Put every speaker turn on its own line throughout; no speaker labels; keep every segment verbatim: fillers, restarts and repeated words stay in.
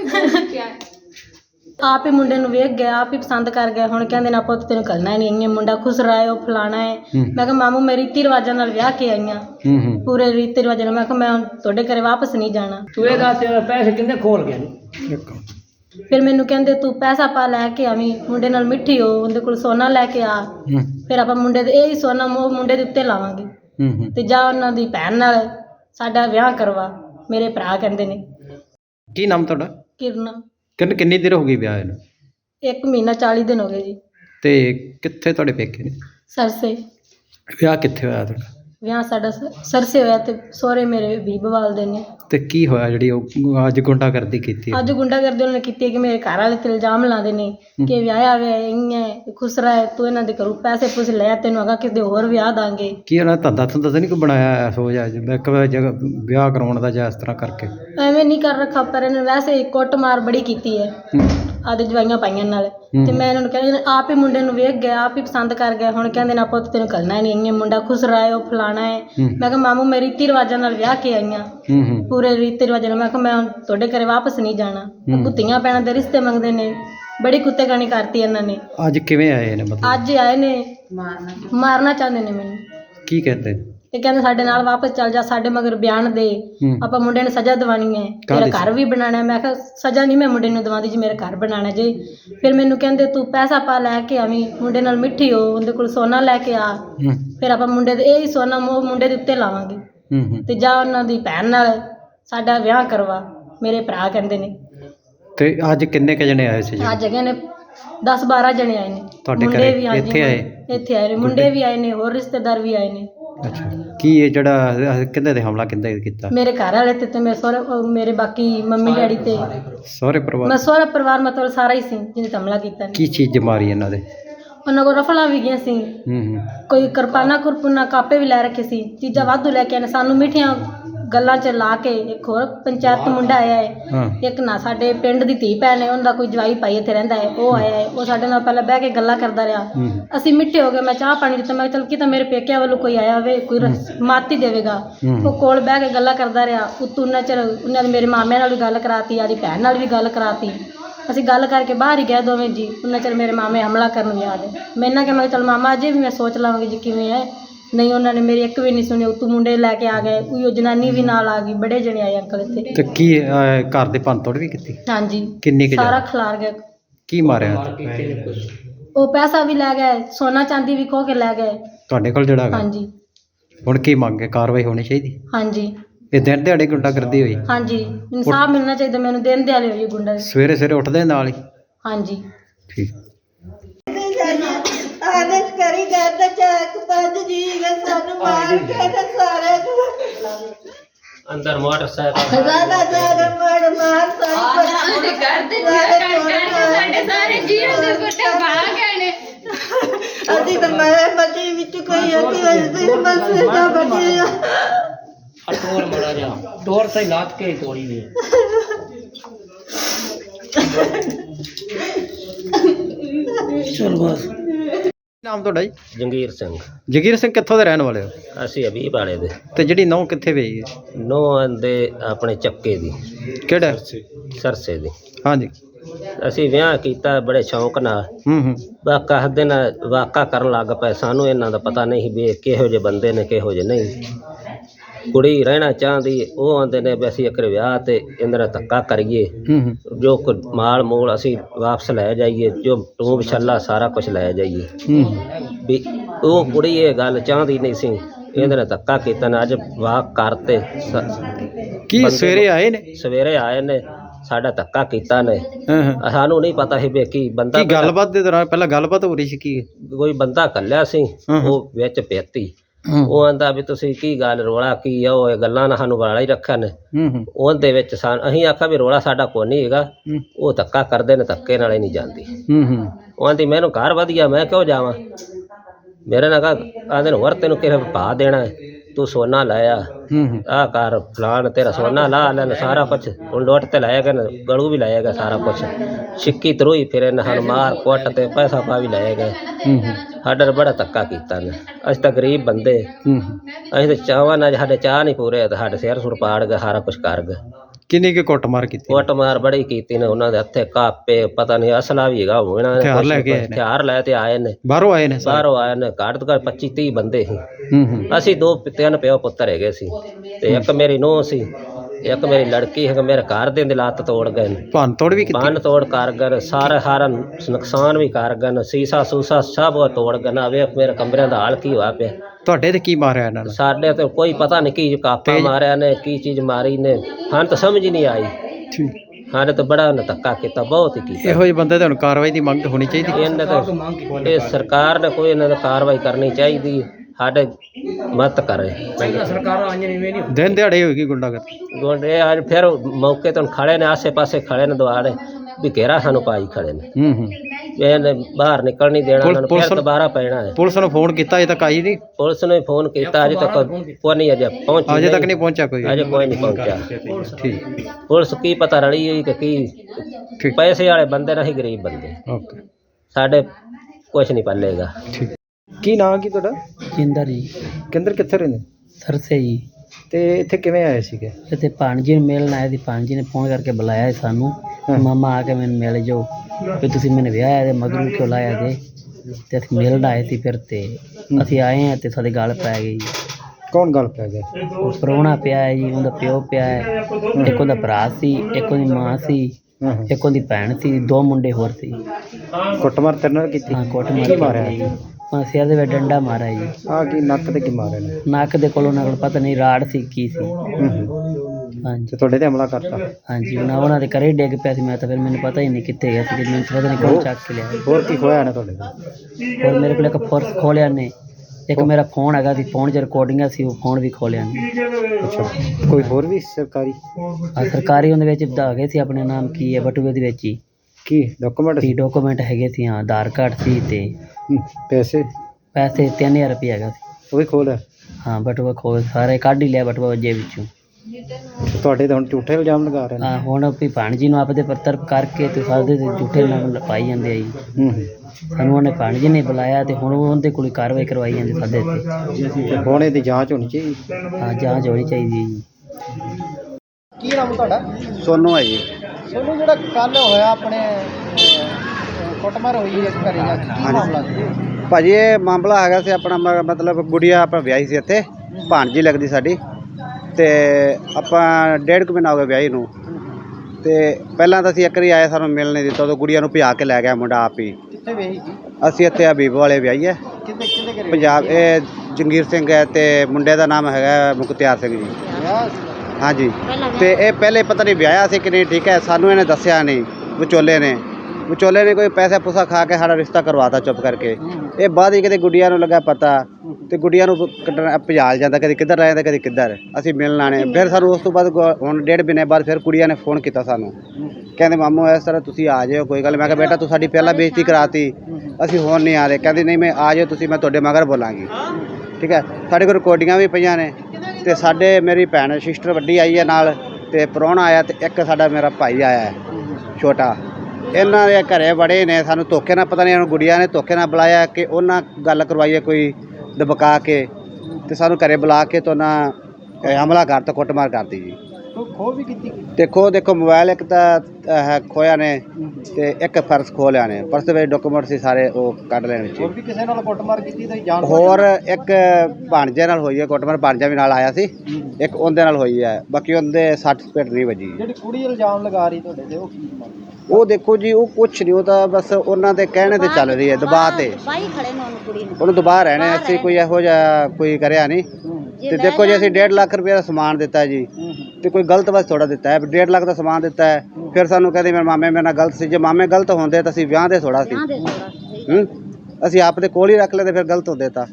ਆਪ ਹੀ ਮੁੰਡੇ ਨੂੰ ਵੇਖ ਗਿਆ, ਆਪ ਹੀ ਪਸੰਦ ਕਰ ਗਿਆ। ਹੁਣ ਕਹਿੰਦੇ ਨਾ ਪੁੱਤ ਤੈਨੂੰ ਕਰਨਾ ਹੀ ਨਹੀਂ, ਇਹ ਮੁੰਡਾ ਖੁਸ਼ ਰਹਾ, ਉਹ ਫਲਾਣਾ ਹੈ। ਮੈਂ ਕਿਹਾ ਮਾਮੂ ਮੈਂ ਰੀਤੀ ਰਿਵਾਜਾਂ ਨਾਲ ਵਿਆਹ ਕੇ ਆਈ ਹਾਂ, ਪੂਰੇ ਰੀਤੀ ਰਿਵਾਜਾਂ ਨਾਲ। ਮੈਂ ਕਿਹਾ ਮੈਂ ਹੁਣ ਤੁਹਾਡੇ ਘਰੇ ਵਾਪਸ ਨਹੀਂ ਜਾਣਾ।
ਤੂੰ ਇਹ ਦੱਸ ਪੈਸੇ ਕਿੰਨੇ ਖੋਲ ਗਏ?
ਫਿਰ ਮੈਨੂੰ ਕਹਿੰਦੇ ਤੂੰ ਪੈਸਾ ਪਾ ਲੈ ਕੇ ਆਵੀਂ, ਮੁੰਡੇ ਨਾਲ ਮਿੱਠੀ ਹੋ, ਉਹਦੇ ਕੋਲ ਸੋਨਾ ਲੈ ਕੇ ਆ, ਫਿਰ ਆਪਾਂ ਮੁੰਡੇ ਦੇ ਇਹ ਹੀ ਸੋਨਾ ਉਹ ਮੁੰਡੇ ਦੇ ਉੱਤੇ ਲਾਵਾਂਗੇ ਤੇ ਜਾ ਉਹਨਾਂ ਦੀ ਭੈਣ ਨਾਲ ਸਾਡਾ ਵਿਆਹ ਕਰਵਾ। ਮੇਰੇ ਭਰਾ ਕਹਿੰਦੇ ਨੇ।
ਕੀ ਨਾਮ ਤੁਹਾਡਾ?
ਕਿਰਨ।
ਕਿੰਨ ਕਿੰਨੀ ਦੇਰ ਹੋ ਗਈ ਵਿਆਹ ਨੂੰ?
ਇੱਕ ਮਹੀਨਾ ਚਾਲੀ ਦਿਨ ਹੋ ਗਏ ਜੀ।
ਤੇ ਕਿੱਥੇ ਤੁਹਾਡੇ ਪੇਕੇ ਨੇ?
ਸਰਸੇ।
ਵਿਆਹ ਕਿੱਥੇ ਹੋਇਆ ਤੁਹਾਡਾ?
ਵਿਆਹ ਸਾਡਾ ਸ- ਸਰਸੇ ਹੋਇਆ ਤੇ ਸਹੁਰੇ ਮੇਰੇ ਬੀਬਵਾਲ ਦੇ ਨੇ।
ਤੇ ਕੀ ਹੋਇਆ ਜਿਹੜੀ ਉਹ ਅੱਜ ਗੁੰਡਾਗਰਦੀ ਕੀਤੀ?
ਅੱਜ ਗੁੰਡਾਗਰਦੀ ਉਹਨਾਂ ਨੇ ਕੀਤੀ ਹੈ ਕਿ ਮੇਰੇ ਘਰ ਵਾਲੇ ਤੇ ਇਲਜ਼ਾਮ ਲਾਉਂਦੇ ਨੇ ਕਿ ਵਿਆਹਿਆ ਵੇ ਇੰਨੇ ਖੁਸਰਾ ਹੈ, ਤੂੰ ਇਹਨਾਂ ਦੇ ਘਰੋਂ ਪੈਸੇ ਪੂਸੇ ਲੈ, ਤੈਨੂੰ ਅਗਾ ਕਿਤੇ ਹੋਰ ਵਿਆਹ ਦਾਂਗੇ।
ਕੀ ਉਹਨਾਂ ਧੰਦਾ ਧੰਦਾ ਤਾਂ ਨਹੀਂ ਕੋਈ ਬਣਾਇਆ ਸੋਚ ਆ ਜਿਵੇਂ ਇੱਕ ਜਗ੍ਹਾ ਵਿਆਹ ਕਰਾਉਣ ਦਾ ਜਾਂ ਇਸ ਤਰ੍ਹਾਂ ਕਰਕੇ?
ਐਵੇਂ ਨਹੀਂ ਕਰ ਰੱਖਾ, ਪਰ ਇਹਨੇ ਵੈਸੇ ਕੁੱਟ ਮਾਰ ਬੜੀ ਕੀਤੀ ਹੈ ਆਦੇ ਜਵਾਈਆਂ ਪਾਈਆਂ ਨਾਲ। ਤੇ ਮੈਂ ਇਹਨਾਂ ਨੂੰ ਕਹਿੰਦੀ ਆਪ ਹੀ ਮੁੰਡੇ ਨੂੰ ਵੇਖ ਗਿਆ, ਆਪ ਹੀ ਪਸੰਦ ਕਰ ਗਿਆ। ਹੁਣ ਕਹਿੰਦੇ ਨਾ ਪੁੱਤ ਤੈਨੂੰ ਕਰਨਾ ਹੀ ਨਹੀਂ, ਇਹ ਮੁੰਡਾ ਖੁਸ਼ ਰਹਾ, ਉਹ ਫਲਾਣਾ ਹੈ। ਮੈਂ ਕਿਹਾ ਮਾਮੂ ਮੈਂ ਰੀਤੀ ਰਿਵਾਜਾਂ ਨਾਲ ਵਿਆਹ ਕੇ ਆਈ ਹਾਂ, ਪੂਰੇ ਰੀਤੀ ਰਿਵਾਜਾਂ ਨਾਲ। ਮੈਂ ਕਿਹਾ ਮੈਂ ਹੁਣ ਤੁਹਾਡੇ ਘਰੇ ਵਾਪਸ ਨਹੀਂ ਜਾਣਾ। ਕੁੱਤੀਆਂ ਪੈਣਾ ਦੇ ਰਿਸ਼ਤੇ ਮੰਗਦੇ ਨੇ, ਬੜੀ ਕੁੱਤੇਗਾਨੀ ਕਰਤੀ ਇਹਨਾਂ ਨੇ।
ਅੱਜ ਕਿਵੇਂ ਆਏ ਨੇ? ਮਤਲਬ
ਅੱਜ ਆਏ ਨੇ ਮਾਰਨਾ ਚਾਹੁੰਦੇ ਨੇ ਮੈਨੂੰ।
ਕੀ ਕਹਿੰਦੇ?
ਤੇ ਕਹਿੰਦੇ ਸਾਡੇ ਨਾਲ ਵਾਪਸ ਚੱਲ ਜਾ, ਸਾਡੇ ਮਗਰ ਬਿਆਨ ਦੇ, ਆਪਾਂ ਮੁੰਡੇ ਨੂੰ ਸਜ਼ਾ ਦਿਵਾਣੀ ਹੈ, ਤੇਰਾ ਘਰ ਵੀ ਬਣਾਉਣਾ। ਮੈਂ ਕਿਹਾ ਸਜ਼ਾ ਨਹੀਂ ਮੈਂ ਮੁੰਡੇ ਨੂੰ ਦਵਾਉਂਦੀ ਜੀ, ਮੇਰਾ ਘਰ ਬਣਾਉਣਾ ਜੀ। ਫਿਰ ਮੈਨੂੰ ਕਹਿੰਦੇ ਤੂੰ ਪੈਸਾ ਪਾ ਲੈ ਕੇ ਆਵੀਂ, ਮੁੰਡੇ ਨਾਲ ਮਿੱਠੀ ਹੋ, ਉਹਦੇ ਕੋਲ ਸੋਨਾ ਲੈ ਕੇ ਆ, ਫਿਰ ਆਪਾਂ ਮੁੰਡੇ ਦੇ ਇਹ ਹੀ ਸੋਨਾ ਉਹ ਮੁੰਡੇ ਦੇ ਉੱਤੇ ਲਾਵਾਂਗੇ ਤੇ ਜਾ ਉਹਨਾਂ ਦੀ ਭੈਣ ਨਾਲ ਸਾਡਾ ਵਿਆਹ ਕਰਵਾ। ਮੇਰੇ ਭਰਾ ਕਹਿੰਦੇ ਨੇ।
ਤੇ ਅੱਜ ਕਿੰਨੇ ਕ ਜਣੇ ਆਏ ਸੀ?
ਅੱਜ ਹੈਗੇ ਨੇ ਦਸ ਬਾਰਾਂ ਜਣੇ ਆਏ ਨੇ।
ਤੁਹਾਡੇ
ਮੁੰਡੇ
ਘਰੇ?
ਵੀ ਆਏ
ਇੱਥੇ ਆਏ?
ਇੱਥੇ ਆਏ ਨੇ, ਮੁੰਡੇ ਵੀ ਆਏ ਨੇ, ਹੋਰ ਰਿਸ਼ਤੇਦਾਰ ਵੀ ਆਏ ਨੇ।
ਅੱਛਾ, ਕੀ ਇਹ ਜਿਹੜਾ ਕਿੰਨੇ ਦੇ ਹਮਲਾ ਕਿੰਨੇ ਕੀਤਾ?
ਮੇਰੇ ਘਰ ਵਾਲੇ ਤੇ ਤੇ ਮੇਰੇ ਸਹੁਰੇ ਉਹ ਮੇਰੇ ਬਾਕੀ ਮੰਮੀ ਡੈਡੀ ਤੇ
ਸਹੁਰੇ ਪਰਿਵਾਰ?
ਮੈਂ ਸਹੁਰਾ ਪਰਿਵਾਰ ਮਤਲਬ ਸਾਰਾ ਹੀ ਸੀ ਜਿਹਨੇ ਤੇ ਹਮਲਾ ਕੀਤਾ ਨੇ।
ਕੀ ਚੀਜ਼ ਮਾਰੀ ਇਹਨਾਂ ਦੇ?
ਉਹਨਾਂ ਕੋਲ ਰਫਲਾਂ ਵੀ ਗਈਆਂ ਸੀ,
ਹੂੰ ਹੂੰ
ਕੋਈ ਕਿਰਪਾਨਾ ਕੁਰਪੁਨਾ ਕਾਪੇ ਵੀ ਲੈ ਰੱਖੇ ਸੀ, ਚੀਜ਼ਾਂ ਵਾਧੂ ਲੈ ਕੇ ਆਏ ਨੇ। ਸਾਨੂੰ ਮਿੱਠੀਆਂ ਗੱਲਾਂ 'ਚ ਲਾ ਕੇ ਇੱਕ ਹੋਰ ਪੰਚਾਇਤ ਤੋਂ ਮੁੰਡਾ ਆਇਆ ਹੈ,
ਹਾਂ
ਇੱਕ ਨਾ ਸਾਡੇ ਪਿੰਡ ਦੀ ਧੀ ਭੈਣ ਹੈ, ਉਹਦਾ ਕੋਈ ਜਵਾਈ ਭਾਈ ਇੱਥੇ ਰਹਿੰਦਾ ਹੈ, ਉਹ ਆਇਆ ਹੈ। ਉਹ ਸਾਡੇ ਨਾਲ ਪਹਿਲਾਂ ਬਹਿ ਕੇ ਗੱਲਾਂ ਕਰਦਾ ਰਿਹਾ।
ਹੂੰ
ਅਸੀਂ ਮਿੱਠੇ ਹੋ ਗਏ, ਮੈਂ ਚਾਹ ਪਾਣੀ ਦਿੱਤਾ। ਮੈਂ ਕਿਹਾ ਚੱਲ ਕੀ ਤਾਂ ਮੇਰੇ ਪੇਕਿਆਂ ਵੱਲੋਂ ਕੋਈ ਆਇਆ ਹੋਵੇ, ਕੋਈ ਮਾਤੀ ਦੇਵੇਗਾ। ਉਹ ਕੋਲ ਬਹਿ ਕੇ ਗੱਲਾਂ ਕਰਦਾ ਰਿਹਾ। ਉੱਤੋਂ ਉਹਨਾਂ ਚਿਰ ਉਹਨਾਂ ਨੇ ਮੇਰੇ ਮਾਮੇ ਨਾਲ ਵੀ ਗੱਲ ਕਰਾਤੀ, ਆਦੀ ਭੈਣ ਨਾਲ ਵੀ ਗੱਲ ਕਰਾਤੀ। ਅਸੀਂ ਗੱਲ ਕਰਕੇ ਬਾਹਰ ਹੀ ਗਏ ਦੋਵੇਂ ਜੀ। ਉਹਨਾਂ ਚਿਰ ਮੇਰੇ ਮਾਮੇ ਹਮਲਾ ਕਰਨ ਨੂੰ ਯਾਦ ਹੈ। ਮੈਂ ਇਹਨਾਂ ਕਿਹਾ ਮੈਂ ਚੱਲ ਮਾਮਾ ਅਜੇ ਵੀ ਮੈਂ ਸੋਚ ਲਵਾਂਗੀ ਜੀ ਕਿਵੇਂ ਹੈ। ਨਹੀਂ ਉਹਨਾਂ ਨੇ ਮੇਰੀ ਇੱਕ ਵੀ ਨਹੀਂ ਸੁਣੀ। ਉੱਤੋਂ ਮੁੰਡੇ ਲੈ ਕੇ ਆ ਗਏ, ਕੋਈ ਜਨਾਨੀ ਵੀ ਨਾਲ ਆ ਗਈ, ਬੜੇ ਜਣੇ ਆਏ ਅੰਕਲ ਇੱਥੇ।
ਤੇ ਕੀ ਅਹ, ਘਰ ਦੇ ਭੰਨ ਤੋੜ ਵੀ ਕੀਤੀ?
ਹਾਂਜੀ
ਕਿੰਨੀ ਕੁ
ਸਾਰਾ
ਜ਼ਿਆਦਾ?
ਖਿਲਾਰ ਗਿਆ।
ਕੀ ਮਾਰਿਆ?
ਉਹ ਪੈਸਾ ਵੀ ਲੈ ਗਏ, ਸੋਨਾ ਚਾਂਦੀ ਵੀ ਖੋਹ ਕੇ ਲੈ ਗਏ।
ਤੁਹਾਡੇ ਕੋਲ ਜਿਹੜਾ ਹੈਗਾ?
ਹਾਂਜੀ
ਹੁਣ ਕੀ ਮੰਗੇ? ਕਾਰਵਾਈ ਹੋਣੀ ਚਾਹੀਦੀ?
ਹਾਂਜੀ
ਇਹ ਦਿਨ ਦਿਹਾੜੇ ਗੁੰਡਾਗਰਦੀ ਹੋਈ?
ਹਾਂਜੀ ਇਨਸਾਫ ਮਿਲਣਾ ਚਾਹੀਦਾ ਮੈਨੂੰ। ਦਿਨ ਦਿਹਾੜੇ ਹੋਈ ਗੁੰਡਾ ਦੀ।
ਸਵੇਰੇ ਸਵੇਰੇ ਉੱਠਦੇ ਨਾਲ ਹੀ?
ਹਾਂਜੀ
ਠੀਕ।
ਆਦਤ ਕਰੀ ਕਰਦਾ ਚਾਕ ਪੰਜ ਜੀ ਸਾਨੂੰ ਮਾਰ ਕੇ ਤੇ ਸਾਰੇ
ਅੰਦਰ ਮੋਟਰਸਾਈਕਲ
ਖਜ਼ਾਨਾ ਜਾਗ ਮੜ ਮਾਰ ਸਾਰੇ ਕਰਦੇ ਸਾਡੇ ਸਾਰੇ ਜੀਵ ਦੇ ਗੁੱਟੇ ਬਾਹਰ ਗਏ ਨੇ। ਅਸੀਂ ਤਾਂ ਮੈਂ ਬੱਚੇ ਵਿੱਚ ਕੋਈ ਅੱਧੀ ਵਜੇ ਬਸ ਨਾ ਬਚੇ ਆ।
ਟੋਰ ਮੜਾ ਜਾ ਟੋਰ ਤੇ ਲਾਤ ਕੇ ਤੋੜੀ ਨੇ। ਚਲ ਬਸ।
ਨਾਮ ਤੁਹਾਡਾ ਜੀ?
ਜੰਗੀਰ ਸਿੰਘ।
ਜਗੀਰ ਸਿੰਘ ਕਿੱਥੋਂ ਦੇ ਰਹਿਣ ਵਾਲੇ ਹੋ?
ਅਸੀਂ ਅਬੀਬ ਵਾਲੇ ਦੇ।
ਤੇ ਜਿਹੜੀ ਨਹੁੰ ਕਿੱਥੇ ਪਈ ਹੈ?
ਨੋਹਾਂ ਦੇ ਆਪਣੇ ਚੱਕੇ ਦੀ,
ਕਿਹੜਾ?
ਸਰਸੇ ਦੀ।
ਹਾਂਜੀ।
ਅਸੀਂ ਵਿਆਹ ਕੀਤਾ ਬੜੇ ਸ਼ੌਂਕ ਨਾਲ।
ਹੂੰ ਹੂੰ
ਵਾਕਾ ਹੱਦੇ ਨਾਲ ਵਾਕਾ ਕਰਨ ਲੱਗ ਪਏ। ਸਾਨੂੰ ਇਹਨਾਂ ਦਾ ਪਤਾ ਨਹੀਂ ਵੀ ਇਹ ਕਿਹੋ ਜਿਹੇ ਬੰਦੇ ਨੇ ਕਿਹੋ ਜਿਹੇ ਨਹੀਂ। ਕੁੜੀ ਰਹਿਣਾ ਚਾਹੁੰਦੀ, ਉਹ ਆਂਦੇ ਨੇ ਵੀ ਅਸੀਂ ਇੱਕ ਵਿਆਹ ਤੇ ਇਹਨਾਂ ਨਾਲ ਧੱਕਾ ਕਰੀਏ,
ਹੂੰ ਹੂੰ
ਜੋ ਕੁ ਮਾਲ ਮੂਲ ਅਸੀਂ ਵਾਪਸ ਲੈ ਜਾਈਏ, ਜੋ ਟੂਬ ਛੱਲਾ ਸਾਰਾ ਕੁਝ ਲੈ ਜਾਈਏ।
ਹੂੰ
ਵੀ ਉਹ ਕੁੜੀ ਇਹ ਗੱਲ ਚਾਹੁੰਦੀ ਨਹੀਂ ਸੀ। ਇਹਦੇ ਨਾਲ ਧੱਕਾ ਕੀਤਾ ਨੇ। ਅੱਜ ਵਾਕ ਕਰਤੇ
ਕੀ ਸਵੇਰੇ ਆਏ ਨੇ?
ਸਵੇਰੇ ਆਏ ਨੇ, ਸਾਡਾ ਧੱਕਾ ਕੀਤਾ ਨੇ।
ਹਾਂ ਹਾਂ
ਸਾਨੂੰ ਨਹੀਂ ਪਤਾ ਸੀ ਵੀ ਕੀ ਬੰਦਾ
ਕੀ ਗੱਲਬਾਤ ਦੇ ਦੌਰਾਨ ਪਹਿਲਾਂ ਗੱਲਬਾਤ ਹੋ ਰਹੀ ਸੀ? ਕੀ
ਕੋਈ ਬੰਦਾ ਕੱਲਿਆ ਸੀ, ਉਹ ਵਿੱਚ ਪੇਤੀ। ਉਹ ਆਂਦਾ ਵੀ ਤੁਸੀਂ ਕੀ ਗੱਲ ਰੋਲਾ ਕੀ ਆ? ਉਹ ਇਹ ਗੱਲਾਂ ਨਾਲ ਸਾਨੂੰ ਵਾਲਾ ਹੀ ਰੱਖਿਆ ਨੇ।
ਹੂੰ ਹੂੰ
ਉਹਦੇ ਵਿੱਚ ਸਾਨੂੰ ਅਸੀਂ ਆਖਿਆ ਵੀ ਰੋਲਾ ਸਾਡਾ ਕੋਈ ਨਹੀਂ ਹੈਗਾ। ਉਹ ਧੱਕਾ ਕਰਦੇ ਨੇ, ਧੱਕੇ ਨਾਲ ਹੀ ਨਹੀਂ ਜਾਂਦੀ।
ਹੂੰ ਹੂੰ
ਉਹ ਆਂਦੀ ਮੈਨੂੰ ਘਰ ਵਧੀਆ, ਮੈਂ ਕਿਉਂ ਜਾਵਾਂ? ਮੇਰੇ ਨਾਲ ਕਹਾ ਆਂਦੇ ਨੂੰ ਹੋਰ ਤੈਨੂੰ ਕਿਸੇ ਭਾ ਦੇਣਾ ਹੈ, ਤੂੰ ਸੋਨਾ ਲਾਇਆ
ਹੂੰ ਹੂੰ
ਆ ਘਰ ਫਲਾਣ ਤੇਰਾ ਸੋਨਾ ਲਾ ਲੈਣ ਸਾਰਾ ਕੁਛ। ਹੁਣ ਲੋਟ ਤੇ ਲਾਏਗਾ ਨਾ, ਗਲੂ ਵੀ ਲਾਏਗਾ ਸਾਰਾ ਕੁਛ। ਸਿੱਕੀ ਤਰੋਈ ਫਿਰ ਇਹਨਾਂ ਸਾਨੂੰ ਮਾਰ ਕੁੱਟ ਤੇ ਪੈਸਾ ਪਾ ਵੀ ਲਾਏਗਾ।
ਹੂੰ ਹੂੰ
ਸਾਡਾ ਤਾਂ ਬੜਾ ਧੱਕਾ ਕੀਤਾ ਨੇ। ਅਸੀਂ ਤਾਂ ਗਰੀਬ ਬੰਦੇ,
ਹੂੰ
ਅਸੀਂ ਤਾਂ ਚਾਹਵਾਂ ਨਾਲ ਸਾਡੇ ਚਾਹ ਨਹੀਂ ਪੂਰੇ ਤੇ ਸਾਡੇ ਸਿਰ ਸੁਰ ਪਾੜ ਗਏ, ਸਾਰਾ ਕੁਛ ਕਰ ਗਏ।
ਕਿੰਨੀ ਕੁ ਕੁੱਟਮਾਰ ਕੀਤੀ?
ਕੁੱਟਮਾਰ ਬੜੀ ਕੀਤੀ ਨੇ, ਉਹਨਾਂ ਦੇ ਹੱਥੇ ਕਾਪੇ, ਪਤਾ ਨਹੀਂ ਅਸਲਾ ਵੀ ਹੈਗਾ ਹੋਣਾ,
ਹਥਿਆਰ ਲੈ ਕੇ ਆਏ ਨੇ?
ਹਥਿਆਰ ਲੈ ਤੇ ਆਏ ਨੇ,
ਬਾਹਰੋਂ ਆਏ ਨੇ ਸਾਰੇ?
ਬਾਹਰੋਂ ਆਏ ਨੇ, ਘੱਟ ਤੋਂ ਘੱਟ ਪੱਚੀ ਤੀਹ ਬੰਦੇ ਸੀ।
ਹੂੰ ਹੂੰ
ਅਸੀਂ ਦੋ ਤਿੰਨ ਪਿਓ ਪੁੱਤਰ ਹੈਗੇ ਸੀ, ਤੇ ਇੱਕ ਮੇਰੀ ਨੂੰਹ ਸੀ, ਇੱਕ ਮੇਰੀ ਲੜਕੀ ਹੈ। ਮੇਰੇ ਘਰ ਦੇ ਲੱਤ ਤੋੜ ਗਏ ਨੇ,
ਭੰਨ ਤੋੜ ਵੀ ਕੀਤੀ?
ਭੰਨ ਤੋੜ ਕਰ ਗਏ, ਸਾਰਾ ਹਾਰਾ ਨੁਕਸਾਨ ਵੀ ਕਰ ਗਏ, ਸੀਸਾ ਸੂਸਾ ਸਭ ਉਹ ਤੋੜ ਗਏ ਨਾ। ਵੇਖ ਮੇਰੇ ਕਮਰਿਆਂ ਦਾ ਹਾਲ ਕੀ ਹੋਇਆ ਪਿਆ।
ਤੁਹਾਡੇ ਤੇ ਕੀ ਮਾਰਿਆ ਇਹਨਾਂ ਨੇ?
ਸਾਡੇ ਤੇ ਕੋਈ ਪਤਾ ਨਹੀਂ ਕੀ ਕਾਪਾ ਮਾਰਿਆ ਨੇ, ਕੀ ਚੀਜ਼ ਮਾਰੀ ਨੇ, ਸਾਨੂੰ ਤਾਂ ਸਮਝ ਹੀ ਨਹੀਂ ਆਈ।
ਠੀਕ।
ਸਾਡੇ ਤਾਂ ਬੜਾ ਉਹਨੇ ਧੱਕਾ ਕੀਤਾ, ਬਹੁਤ ਹੀ ਕੀਤਾ।
ਇਹੋ ਜਿਹੇ ਬੰਦੇ ਤੇ ਹੁਣ ਕਾਰਵਾਈ ਦੀ ਮੰਗ ਹੋਣੀ ਚਾਹੀਦੀ।
ਇਹਨਾਂ ਤੇ ਇਹ ਸਰਕਾਰ ਨੇ ਕੋਈ ਇਹਨਾਂ ਦੀ ਕਾਰਵਾਈ ਕਰਨੀ ਚਾਹੀਦੀ, ਸਾਡੇ ਮਤ ਕਰੇ।
ਸਰਕਾਰਾਂ ਆਈਆਂ ਨਹੀਂ ਨਹੀਂ
ਦਿਨ ਦਿਹਾੜੇ ਹੋਏਗੀ ਗੁੰਡਾਗਰਦੀ।
ਗੋਂਡੇ ਅੱਜ ਫਿਰ ਮੌਕੇ ਤੋਂ ਖੜੇ ਨੇ, ਆਸੇ ਪਾਸੇ ਖੜੇ ਨੇ, ਦੁਆਰੇ ਵੀ ਘੇਰਾ ਸਾਨੂੰ ਪਾਈ ਖੜੇ ਨੇ।
ਹੂੰ ਹੂੰ
ਇਹਨੇ ਬਾਹਰ ਨਿਕਲ ਨਹੀਂ ਦੇਣਾ, ਉਹਨਾਂ ਨੂੰ
ਪੁਲਿਸ-
ਫਿਰ ਦੁਬਾਰਾ ਪੈਣਾ ਹੈ।
ਪੁਲਿਸ ਨੂੰ ਫੋਨ ਕੀਤਾ, ਅਜੇ ਤੱਕ ਆਈ ਨਹੀਂ?
ਪੁਲਿਸ ਨੇ ਫੋਨ ਕੀਤਾ, ਅਜੇ ਤੱਕ ਕੋਈ ਨਹੀਂ ਅਜੇ ਪਹੁੰਚੀ,
ਅਜੇ ਤੱਕ ਨਹੀਂ ਪਹੁੰਚਿਆ ਕੋਈ?
ਅਜੇ ਕੋਈ ਨਹੀਂ ਪਹੁੰਚਿਆ।
ਠੀਕ
ਪੁਲਿਸ ਕੀ ਪਤਾ ਰਲੀ ਹੋਈ ਕਿ ਕੀ,
ਠੀਕ।
ਪੈਸੇ ਵਾਲੇ ਬੰਦੇ ਨਹੀਂ, ਗਰੀਬ ਬੰਦੇ,
ਓਕੇ
ਸਾਡੇ ਕੁਛ ਨਹੀਂ ਪੱਲੇਗਾ।
ਠੀਕ। ਕੀ ਨਾਂ ਕੀ ਤੁਹਾਡਾ?
ਜਿੰਦਰ ਜੀ,
ਕੇਂਦਰ ਕਿੱਥੇ ਰਹਿੰਦੇ?
ਸਰਸੇ ਜੀ।
ਤੇ ਇੱਥੇ ਕਿਵੇਂ ਆਏ ਸੀਗੇ?
ਇੱਥੇ ਭਾਣਜੀ ਨੂੰ ਮਿਲਣ ਆਏ ਸੀ, ਭਾਣਜੀ ਨੇ ਫੋਨ ਕਰਕੇ ਬੁਲਾਇਆ ਸੀ ਸਾਨੂੰ,
ਹਾਂ।
ਮਾਮਾ ਆ ਕੇ ਮੈਨੂੰ ਮਿਲ ਜਾਓ, ਵੀ ਤੁਸੀਂ ਮੈਨੂੰ ਵਿਆਹਿਆ ਤੇ ਮਗਰੂ ਕਿਉਂ ਲਾਇਆ ਜੇ, ਤੇ ਅਸੀਂ ਮਿਲਣ ਆਏ ਸੀ। ਫਿਰ ਤੇ ਅਸੀਂ ਆਏ ਹਾਂ ਤੇ ਸਾਡੇ ਗੱਲ ਪੈ ਗਈ ਜੀ।
ਕੌਣ ਗੱਲ ਪੈ ਗਿਆ?
ਉਹ ਪ੍ਰਾਹੁਣਾ ਪਿਆ ਹੈ ਜੀ, ਉਹਦਾ ਪਿਓ ਪਿਆ ਹੈ, ਇੱਕ ਉਹਦਾ ਭਰਾ ਸੀ, ਇੱਕ ਉਹਦੀ ਮਾਂ ਸੀ,
ਹਾਂ ਹਾਂ।
ਇੱਕ ਉਹਦੀ ਭੈਣ ਸੀ, ਦੋ ਮੁੰਡੇ ਹੋਰ ਸੀ।
ਕੁੱਟਮਾਰ ਤੇਰੇ ਨਾਲ ਕੀਤੀ?
ਹਾਂ, ਕੋਟ
ਕੀ
ਮਾਰਿਆ
ਮਾਰਿਆ?
ਜੀ, ਉਹ ਸਿਰ ਦੇ ਵਿੱਚ ਡੰਡਾ ਮਾਰਿਆ ਜੀ,
ਆ ਕੀ ਨੱਕ ਤੇ ਕੀ ਮਾਰਿਆ ਨੇ?
ਨੱਕ ਦੇ ਕੋਲ ਉਹਨਾਂ ਕੋਲ ਪਤਾ ਨਹੀਂ ਰਾੜ ਸੀ ਕੀ ਸੀ।
ਹੂੰ ਹੂੰ।
ਹਾਂਜੀ
ਤੇ ਤੁਹਾਡੇ ਤੇ ਹਮਲਾ ਕਰਤਾ?
ਹਾਂਜੀ, ਉਹਨਾਂ ਉਹਨਾਂ ਦੇ ਘਰੇ ਡਿੱਗ ਪਿਆ ਸੀ। ਮੈਂ ਤਾਂ ਫਿਰ ਮੈਨੂੰ ਪਤਾ ਹੀ ਨਹੀਂ ਕਿੱਥੇ ਗਿਆ ਸੀ, ਮੈਨੂੰ ਪਤਾ ਨਹੀਂ ਕੌਣ ਚੱਕ ਕੇ ਲਿਆ।
ਹੋਰ ਕੀ ਹੋਇਆ ਨਾ ਤੁਹਾਡੇ ਤੇ?
ਹੋਰ ਮੇਰੇ ਕੋਲ ਇੱਕ ਪਰਸ ਖੋਲਿਆ ਨੇ, ਇੱਕ ਮੇਰਾ ਫੋਨ ਹੈਗਾ ਸੀ, ਫੋਨ 'ਚ ਰਿਕਾਰਡਿੰਗਾਂ ਸੀ, ਉਹ ਫੋਨ ਵੀ ਖੋਲਿਆ ਨੇ।
ਅੱਛਾ, ਕੋਈ ਹੋਰ ਵੀ ਸਰਕਾਰੀ?
ਆ ਸਰਕਾਰੀ ਉਹਦੇ ਵਿੱਚ ਬਤਾ ਗਏ ਸੀ, ਆਪਣੇ ਨਾਮ ਕੀ ਹੈ ਬਟੂਏ ਦੇ ਵਿੱਚ ਹੀ
ਕੀ ਡਾਕੂਮੈਂਟ
ਸੀ, ਡਾਕੂਮੈਂਟ ਹੈਗੇ ਸੀ। ਹਾਂ, ਆਧਾਰ ਕਾਰਡ ਸੀ ਤੇ
ਪੈਸੇ?
ਪੈਸੇ ਤਿੰਨ ਹਜ਼ਾਰ ਰੁਪਏ ਹੈਗਾ ਸੀ।
ਉਹ ਵੀ ਖੋਲਿਆ?
ਹਾਂ, ਬਟੂਆ ਖੋਲ ਸਾਰੇ ਕੱਢ ਹੀ ਲਿਆ, ਬਟੂਆ ਜੇ ਵਿੱਚੋਂ।
ਤੁਹਾਡੇ ਤਾਂ ਹੁਣ ਝੂਠੇ ਇਲਜ਼ਾਮ ਲਗਾ ਰਹੇ ਨੇ?
ਹਾਂ, ਹੁਣ ਵੀ ਭਾਣਜੀ ਨੂੰ ਆਪਦੇ ਪੱਤਰ ਕਰਕੇ ਤੇ ਸਾਡੇ ਤੇ ਝੂਠੇ ਨਾਲ ਪਾਈ ਜਾਂਦੇ ਆ ਜੀ।
ਹੂੰ ਹੂੰ।
ਸਾਨੂੰ ਉਹਨੇ ਭਾਣਜੀ ਨੇ ਬੁਲਾਇਆ ਤੇ ਹੁਣ ਉਹਦੇ ਕੋਲ ਕਾਰਵਾਈ ਕਰਵਾਈ ਜਾਂਦੀ ਸਾਡੇ ਤੇ।
ਹੁਣ ਇਹਦੀ ਜਾਂਚ ਹੋਣੀ ਚਾਹੀਦੀ।
ਹਾਂ, ਜਾਂਚ ਹੋਣੀ ਚਾਹੀਦੀ ਹੈ ਜੀ।
ਕੀ ਨਾਮ ਤੁਹਾਡਾ?
ਸੋਨੂੰ ਹੈ ਜੀ।
ਸੋਨੂੰ, ਜਿਹੜਾ ਕੱਲ ਹੋਇਆ ਆਪਣੇ ਕੁੱਟਮਾਰ ਹੋਈ ਹੈ ਘਰੇ ਜਾ ਕੇ, ਕੀ ਮਾਮਲਾ ਸੀ?
ਭਾਜੀ ਇਹ ਮਾਮਲਾ ਹੈਗਾ ਸੀ ਆਪਣਾ ਮ- ਮਤਲਬ ਗੁੜੀਆ ਆਪਾਂ ਵਿਆਹੀ ਸੀ ਇੱਥੇ, ਭਾਣਜੀ ਲੱਗਦੀ ਸਾਡੀ, ਤੇ ਆਪਾਂ ਡੇਢ ਕੁ ਮਹੀਨਾ ਹੋ ਗਿਆ ਵਿਆਹੀ ਨੂੰ। ਤੇ ਪਹਿਲਾਂ ਤਾਂ ਅਸੀਂ ਇੱਕ ਵਾਰੀ ਆਏ, ਸਾਨੂੰ ਮਿਲ ਨਹੀਂ ਦਿੱਤਾ, ਉਦੋਂ ਗੁੜੀਆ ਨੂੰ ਭਜਾ ਕੇ ਲੈ ਗਿਆ ਮੁੰਡਾ ਆਪ ਹੀ।
ਕਿੱਥੇ ਵੇਹੀ ਸੀ?
ਅਸੀਂ ਇੱਥੇ ਹਬੀਬ ਵਾਲੇ ਵਿਆਹੀ ਹੈ
ਕਿੰਨੇ ਕਿੰਨੇ ਘਰੇ
ਪੰਜਾਬ। ਇਹ ਜੰਗੀਰ ਸਿੰਘ ਹੈ ਤੇ ਮੁੰਡੇ ਦਾ ਨਾਮ ਹੈਗਾ ਮੁਖਤਿਆਰ ਸਿੰਘ ਜੀ।
ਵਿਆਹ ਸੀ?
ਹਾਂਜੀ। ਤੇ ਇਹ ਪਹਿਲੇ ਪਤਾ ਨਹੀਂ ਵਿਆਹਿਆ ਸੀ ਕਿ ਨਹੀਂ, ਠੀਕ ਹੈ, ਸਾਨੂੰ ਇਹਨੇ ਦੱਸਿਆ ਨਹੀਂ, ਵਿਚੋਲੇ ਨੇ ਵਿਚੋਲੇ ਨੇ ਕੋਈ ਪੈਸਾ ਪੂਸਾ ਖਾ ਕੇ ਸਾਡਾ ਰਿਸ਼ਤਾ ਕਰਵਾਤਾ ਚੁੱਪ ਕਰਕੇ। ਇਹ ਬਾਅਦ ਹੀ ਕਿਤੇ ਗੁੱਡੀਆਂ ਨੂੰ ਲੱਗਾ ਪਤਾ, ਤੇ ਗੁੱਡੀਆਂ ਨੂੰ ਕੱਢਣ ਭਜਾਲ ਜਾਂਦਾ, ਕਦੇ ਕਿੱਧਰ ਰਹਿ ਜਾਂਦਾ ਕਦੇ ਕਿੱਧਰ। ਅਸੀਂ ਮਿਲਣ ਆਣੇ, ਫਿਰ ਸਾਨੂੰ ਉਸ ਤੋਂ ਬਾਅਦ ਗੁ- ਹੁਣ ਡੇਢ ਮਹੀਨੇ ਬਾਅਦ ਫਿਰ ਕੁੜੀਆਂ ਨੇ ਫੋਨ ਕੀਤਾ ਸਾਨੂੰ, ਕਹਿੰਦੇ ਮਾਮੂ ਇਸ ਤਰ੍ਹਾਂ ਤੁਸੀਂ ਆ ਜਾਇਓ, ਕੋਈ ਗੱਲ। ਮੈਂ ਕਿਹਾ ਬੇਟਾ ਤੂੰ ਸਾਡੀ ਪਹਿਲਾਂ ਬੇਇੱਜ਼ਤੀ ਕਰਾਤੀ, ਅਸੀਂ ਹੁਣ ਨਹੀਂ ਆ ਰਹੇ। ਕਹਿੰਦੀ ਨਹੀਂ ਮੈਂ ਆ ਜਾਇਓ ਤੁਸੀਂ, ਮੈਂ ਤੁਹਾਡੇ ਮਗਰ ਬੋਲਾਂਗੀ, ਠੀਕ ਹੈ। ਸਾਡੇ ਕੋਲ ਰਿਕਾਰਡਿੰਗਾਂ ਵੀ ਪਈਆਂ ਨੇ, ਤੇ ਸਾਡੇ ਮੇਰੀ ਭੈਣ ਸਿਸਟਰ ਵੱਡੀ ਆਈ ਹੈ ਨਾਲ, ਤੇ ਪ੍ਰਾਹੁਣਾ ਆਇਆ, ਤੇ ਇੱਕ ਸਾਡਾ ਮੇਰਾ ਭਾਈ ਆਇਆ ਹੈ ਛੋਟਾ। ਇਹਨਾਂ ਦੇ ਘਰੇ ਬੜੇ ਨੇ, ਸਾਨੂੰ ਧੋਖੇ ਨਾਲ, ਪਤਾ ਨਹੀਂ ਇਹਨੂੰ ਗੁੜੀਆਂ ਨੇ ਧੋਖੇ ਨਾਲ ਬੁਲਾਇਆ ਕਿ ਉਹਨਾਂ ਗੱਲ ਕਰਵਾਈਏ ਕੋਈ ਦਬਕਾ ਕੇ, ਤੇ ਸਾਨੂੰ ਘਰੇ ਬੁਲਾ ਕੇ ਤੋਂ ਨਾ ਹਮਲਾ ਕਰਤਾ, ਕੁੱਟਮਾਰ ਕਰਤੀ ਜੀ।
ਖੋ ਵੀ ਕੀਤੀ?
ਦੇਖੋ ਦੇਖੋ ਮੋਬਾਈਲ ਇੱਕ ਤਾਂ ਹੈ ਖੋਇਆ ਨੇ, ਤੇ ਇੱਕ ਪਰਸ ਖੋਹ ਲਿਆ ਨੇ। ਪਰਸ ਦੇ ਵਿੱਚ ਡਾਕੂਮੈਂਟ ਸੀ ਸਾਰੇ, ਉਹ ਕੱਢ ਲੈਣ ਵਿੱਚ।
ਹੋਰ ਵੀ ਕਿਸੇ ਨਾਲ ਕੁੱਟਮਾਰ ਕੀਤੀ ਤੁਸੀਂ ਜਾਣ?
ਹੋਰ ਇੱਕ ਭਾਣਜੇ ਨਾਲ ਹੋਈ ਹੈ ਕੁੱਟਮਾਰ, ਭਾਣਜਾ ਵੀ ਨਾਲ ਆਇਆ ਸੀ, ਇੱਕ ਉਹਦੇ ਨਾਲ ਹੋਈ ਹੈ, ਬਾਕੀ ਉਹਦੇ ਸੱਟ ਫੇਟ ਨਹੀਂ ਵੱਜੀ।
ਜਿਹੜੀ ਕੁੜੀ ਇਲਜ਼ਾਮ ਲਗਾ ਰਹੀ ਤੁਹਾਡੇ ਤੇ, ਉਹ ਕੀ ਮਾਮਲਾ?
ਉਹ ਦੇਖੋ ਜੀ, ਉਹ ਕੁਛ ਨਹੀਂ, ਉਹ ਤਾਂ ਬਸ ਉਹਨਾਂ ਦੇ ਕਹਿਣੇ ਤੇ ਚੱਲ ਰਹੀ ਹੈ, ਦਬਾਅ ਤੇ।
ਬਾਈ ਖੜੇ ਨੇ ਉਹਨੂੰ ਕੁੜੀ ਨੂੰ।
ਉਹਨੂੰ ਦਬਾਅ ਰਹਿਣੇ, ਅਸੀਂ ਕੋਈ ਇਹੋ ਜਿਹਾ ਕੋਈ ਕਰਿਆ ਨਹੀਂ। ਤੇ ਦੇਖੋ ਜੀ, ਅਸੀਂ ਡੇਢ ਲੱਖ ਰੁਪਏ ਦਾ ਸਮਾਨ ਦਿੱਤਾ ਜੀ, ਤੇ ਕੋਈ ਗਲਤ ਬਸ ਥੋੜਾ ਦਿੱਤਾ ਹੈ। ਡੇਢ ਲੱਖ ਦਾ ਸਮਾਨ ਦਿੱਤਾ ਹੈ, ਫਿਰ ਸਾਨੂੰ ਕਹਿੰਦੇ ਮੇਰੇ ਮਾਮੇ ਮੇਰੇ ਨਾਲ ਗਲਤ ਸੀ। ਜੇ ਮਾਮੇ ਗਲਤ ਹੁੰਦੇ ਤਾਂ ਅਸੀਂ ਵਿਆਹ ਦੇ ਥੋੜਾ ਸੀ, ਹੂੰ, ਅਸੀਂ ਆਪ ਦੇ ਕੋਲ ਹੀ ਰੱਖ ਲੈਂਦੇ, ਫਿਰ ਗਲਤ ਹੁੰਦੇ ਤਾਂ।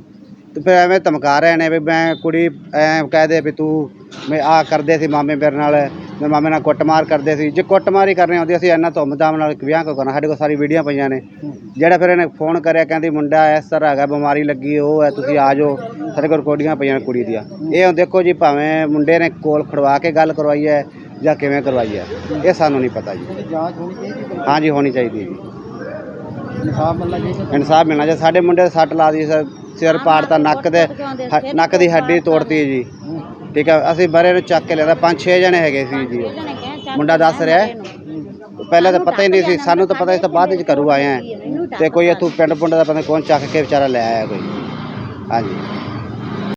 ਤੇ ਫਿਰ ਐਵੇਂ ਧਮਕਾ ਰਹੇ ਨੇ ਵੀ ਮੈਂ ਕੁੜੀ ਐ ਕਹਿ ਦੇ ਵੀ ਤੂੰ ਮੈਂ ਆਹ ਕਰਦੇ ਸੀ ਮਾਮੇ ਮੇਰੇ ਨਾਲ, ਮੇਰੇ ਮਾਮੇ ਨਾਲ ਕੁੱਟਮਾਰ ਕਰਦੇ ਸੀ। ਜੇ ਕੁੱਟਮਾਰ ਹੀ ਕਰਨੀ ਹੁੰਦੀ ਅਸੀਂ ਇੰਨਾ ਧੁੰਮ-ਧਾਮ ਨਾਲ ਵਿਆਹ ਕਿਉਂ ਕਰਨਾ? ਸਾਡੇ ਕੋਲ ਸਾਰੀ ਵੀਡੀਓ ਪਈਆਂ ਨੇ। ਜਿਹੜਾ ਫਿਰ ਇਹਨੇ ਫੋਨ ਕਰਿਆ, ਕਹਿੰਦੀ ਮੁੰਡਾ ਇਸ ਤਰ੍ਹਾਂ ਹੈਗਾ, ਬਿਮਾਰੀ ਲੱਗੀ, ਉਹ ਹੈ, ਤੁਸੀਂ ਆ ਜਾਓ। ਸਾਡੇ ਕੋਲ ਰਿਕਾਰਡਿੰਗਾਂ ਪਈਆਂ ਨੇ ਕੁੜੀ ਦੀਆਂ। ਇਹ ਹੁਣ ਦੇਖੋ ਜੀ, ਭਾਵੇਂ ਮੁੰਡੇ ਨੇ ਕੋਲ ਖੜਵਾ ਕੇ ਗੱਲ ਕਰਵਾਈ ਹੈ ਜਾਂ ਕਿਵੇਂ ਕਰਵਾਈ ਹੈ, ਇਹ ਸਾਨੂੰ ਨਹੀਂ ਪਤਾ ਜੀ।
ਜਾਂਚ ਹੋਣੀ ਚਾਹੀਦੀ?
ਹਾਂਜੀ ਹੋਣੀ ਚਾਹੀਦੀ ਜੀ,
ਇਨਸਾਫ ਮਿਲਣਾ ਚਾਹੀਦਾ।
ਇਨਸਾਫ ਮਿਲਣਾ ਚਾਹੀਦਾ। ਸਾਡੇ ਮੁੰਡੇ ਦੇ ਸੱਟ ਲਾ ਦੀ, ਸਿਰ ਪਾੜਤਾ, ਨੱਕ ਦੇ ਹ- ਨੱਕ ਦੀ ਹੱਡੀ ਤੋੜਤੀ ਜੀ, ਠੀਕ ਹੈ। ਅਸੀਂ ਮਰੇ ਨੂੰ ਚੱਕ ਕੇ ਲਿਆਂਦਾ, ਪੰਜ ਛੇ ਜਣੇ ਹੈਗੇ ਸੀ ਜੀ ਉਹ। ਮੁੰਡਾ ਦੱਸ ਰਿਹਾ ਹੈ। ਪਹਿਲਾਂ ਤਾਂ ਪਤਾ ਹੀ ਨਹੀਂ ਸੀ ਸਾਨੂੰ, ਤਾਂ ਪਤਾ ਇਸ ਤੋਂ ਬਾਅਦ ਵਿੱਚ ਘਰੂ ਆਏ ਆ ਤੇ ਕੋਈ ਇੱਥੋਂ ਪਿੰਡ ਪੁੰਡ ਦਾ ਪਤਾ ਨਹੀਂ ਕੌਣ ਚੱਕ ਕੇ ਵਿਚਾਰਾ ਲੈ ਆਇਆ ਕੋਈ। ਹਾਂਜੀ।